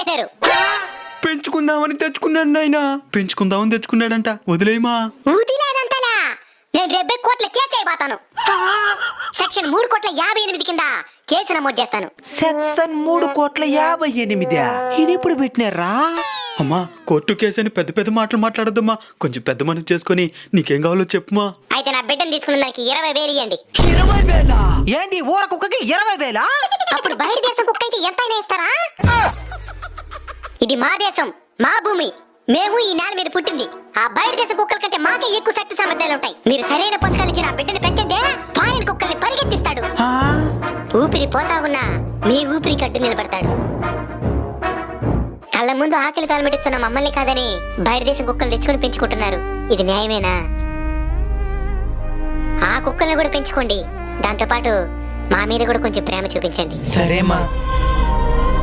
పెట్టారు. పెంచుకుందామని తెచ్చుకున్నాడు నాయనా. పెంచుకుందామని తెచ్చుకున్నాడంట. వదిలేయమా. ఊదిలేదంతలా. నేను 70 కోట్ల కేసు అయిపోతాను. సెక్షన్ 3,58,00,000 కింద కేసు నమోదు చేస్తాను. సెక్షన్ 3,58,00,000 ఇది ఎప్పుడు పెట్టినారా? అమ్మా కోర్టు కేసు అని పెద్ద పెద్ద మాటలు మాట్లాడద్దమ్మా. కొంచెం పెద్ద మనసు చేసుకుని నీకేం కావాలో చెప్పుమా. అయితే నా బిడ్డను తీసుకున్న దానికి 20,000 ఇవ్వండి. 20,000? ఏంటి ఊర కుక్కకి 20,000? అప్పుడు బయట దేశం కుక్క అయితే ఎంతైనా ఇస్తారా? ఇది మా దేశం, మా భూమి. మేము ఈ నేల మీద పుట్టింది. ఆ బయట దేశ కుక్కల కంటే మాకే ఎక్కువ శక్తి సామర్థ్యాలు ఉంటాయి. మీరు సరైన పోషకాలు ఇచ్చి నా బిడ్డని పెంచండి, ఫారిన్ కుక్కల్ని పరిగెత్తిస్తాడు. ఊపిరి పోతా ఉన్నా మీ ఊపిరి కట్టు నిలబడతాడు. కళ్ళ ముందు ఆకలి తాళమెటిస్తున్న మమ్మల్ని కాదని బయట దేశం కుక్కలు తెచ్చుకొని పెంచుకుంటున్నారు. ఇది న్యాయమేనా? ఆ కుక్కల్ని కూడా పెంచుకోండి. దాంతో పాటు మా మీద కూడా కొంచెం ప్రేమ చూపించండి. సరేమా.